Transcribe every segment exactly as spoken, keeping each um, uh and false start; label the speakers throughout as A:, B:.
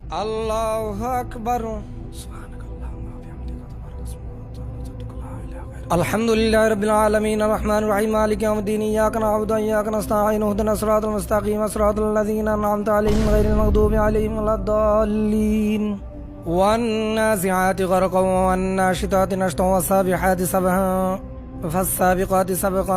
A: আল্লাহু আকবার। আলহামদুলিল্লাহি রাব্বিল আলামিন আর রহমানির রহিম মালিকি ইয়াউমিদ্দিন ইয়্যাকা না'বুদু ওয়া ইয়্যাকা নাস্তাঈন ইহদিনাস সিরাতাল মুস্তাকিম সিরাতাল লাযীনা আন'আমতা আলাইহিম গায়রিল মাগদুবি আলাইহিম ওয়ালাদ-দাল্লিন। One নাযিআতি গরকান one নাশিতাতি নাশতান ওয়াস-সাবিহাতি সাবহা ফাস-সাবিকাতি সাবকা।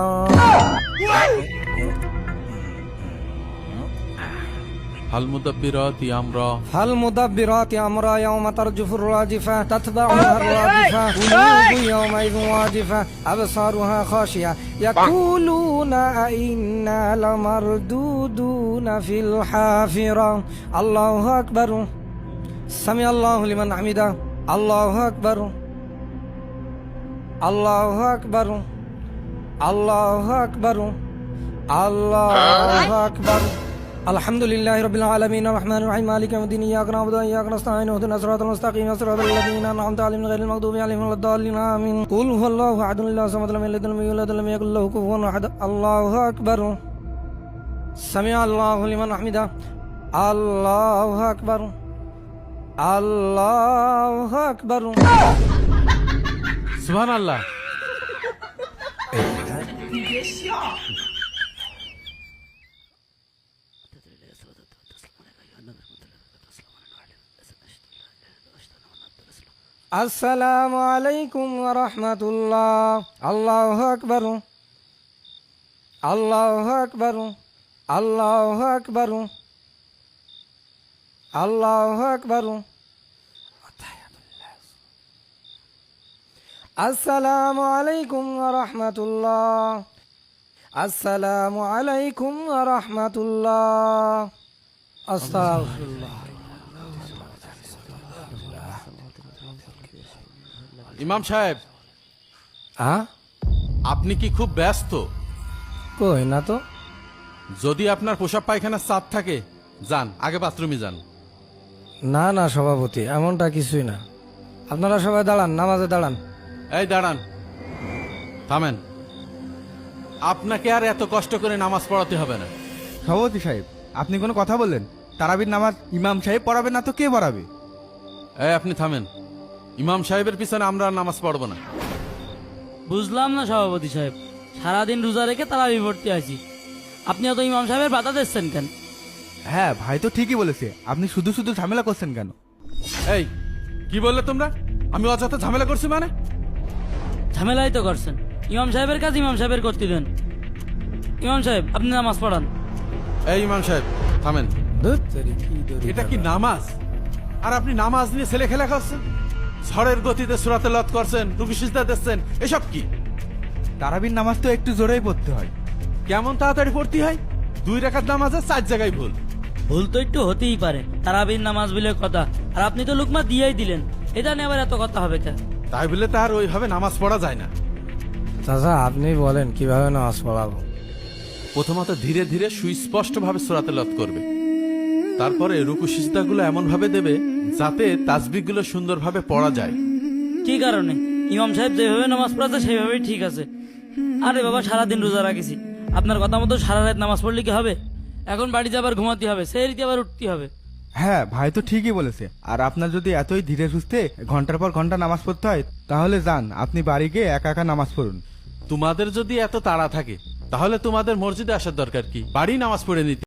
B: فالمدبرات أمرا
A: فالمدبرات أمرا يوم ترجف الراجفة تتبعها الرادفة قلوب يومئذ واجفة أبصارها خاشعة يقولون أئنا لمردودون في الحافرة. الله أكبر. سمع الله لمن حمده. الله أكبر. الله أكبر. الله أكبر. الله أكبر. আলহামদুলিল্লাহি রাব্বিল আলামিন আর রহমানির রহিম মালিকি ইয়াউমিদ্দিন ইয়্যাকা না'বুদু ওয়া ইয়্যাকা নাস্তাঈন ইহদিনাস সিরাতাল মুস্তাকিম সিরাতাল লাযীনা আন'আমতা আলাইহিম গায়রিল মাগদুবি আলাইহিম ওয়ালাদ-দাল্লিন আমিন। কুল হুয়াল্লাহু আহাদুল লাহু সামাদ লাম ইয়ালিদ ওয়া লাম ইউলাদ ওয়া লাম ইয়াকুল লাহু কুফুওয়ান আহাদ। আল্লাহু আকবার। সামিআ আল্লাহু লিমান হামিদা। আল্লাহু আকবার। আল্লাহু আকবার।
B: সুবহানাল্লাহ।
A: আসসালামু আলাইকুম ওয়া রাহমাতুল্লাহ। আল্লাহু আকবার। আল্লাহু আকবার। আল্লাহু আকবার। আল্লাহু আকবার। আসসালামু আলাইকুম ওয়া রাহমাতুল্লাহ। আসসালামু আলাইকুম ওয়া রাহমাতুল্লাহ। আস্তাগফিরুল্লাহ।
B: ইমাম সাহেব,
A: হ্যাঁ,
B: আপনি কি খুব ব্যস্ত?
A: কই না তো।
B: যদি আপনার পোশাক পায়খানার চাপ থাকে, যান আগে বাথরুমে যান।
A: না না সভাপতি, এমনটা কিছুই না। আপনারা সবাই দাঁড়ান, নামাজে দাঁড়ান।
B: এই দাঁড়ান, থামেন। আপনাকে আর এত কষ্ট করে নামাজ পড়াতে হবে না।
C: সভাপতি সাহেব, আপনি কোনো কথা বললেন? তারাবির নামাজ ইমাম সাহেব পড়াবে না তো কে পড়াবে?
B: এই আপনি থামেন। ইমাম সাহেবের পিছনে আমরা আর নামাজ পড়বো না।
D: বুঝলাম না সভাপতি সাহেব, সারাদিন রোজা রেখে তারাবি পড়তে আছি, আপনি অত ইমাম সাহেবের বাধা দিচ্ছেন কেন?
C: হ্যাঁ ভাই তো ঠিকই বলেছে, আপনি শুধু শুধু ঝামেলা করছেন কেন?
B: এই কি বললে তোমরা? আমি অযথা ঝামেলা করছি মানে?
D: ঝামেলাই তো করছেন। ইমাম সাহেবের কাজ ইমাম সাহেবের করতে দেন। ইমাম সাহেব, আপনি নামাজ পড়ান।
B: এই ইমাম সাহেব থামেন।
A: ধুৎ তেরি, কি দড়ি
B: এটা কি
A: দাদা।
B: নামাজ? আর আপনি নামাজ নিয়ে ছেলে খেলা করছেন, ঝড়ের গতিতে সূরাতে লত করছেন, রুকু সিজদা দিচ্ছেন, এসব কি?
C: তারাবির নামাজ তো একটু জোরেই পড়তে হয়।
B: কেমন তাড়াতাড়ি পড়তে হয়? দুই রাকাত নামাজে চার জায়গায় ভুল।
D: ভুল তো একটু হতেই পারে, তারাবির নামাজ বলে কথা। আর আপনি তো লুকমা দিয়েই দিলেন, এটা নিয়ে আবার এত কথা হবে কেন?
B: তাই বলে তার ওইভাবে নামাজ পড়া যায় না।
A: চাচা আপনি বলেন কিভাবে নামাজ পড়াবো?
B: প্রথমত ধীরে ধীরে সুস্পষ্ট ভাবে সূরাতে লত করবে, তারপরে রুকু সিজদাগুলো এমন ভাবে দেবে যাতে তাসবিহগুলো সুন্দরভাবে পড়া যায়।
D: কি কারণে? ইমাম সাহেব যেভাবে নামাজ পড়াচ্ছে সেইভাবেই ঠিক আছে। আরে বাবা, সারাদিন রোজা রাখেছি, আপনার কথা মতো সারা রাত নামাজ পড়লে কি হবে? এখন বাড়িতে আবার ঘুমাতে হবে, সেই রীতি আবার উঠতে হবে।
C: হ্যাঁ ভাই তো ঠিকই বলেছে। আর আপনার যদি এতই ধীরে সুস্থে ঘন্টার পর ঘন্টা নামাজ পড়তে হয়, তাহলে যান আপনি বাড়ি গিয়ে একা একা নামাজ পড়ুন।
B: তোমাদের যদি এত তাড়া থাকে তাহলে তোমাদের মসজিদে আসার দরকার কি? বাড়ি নামাজ পড়ে নিতে।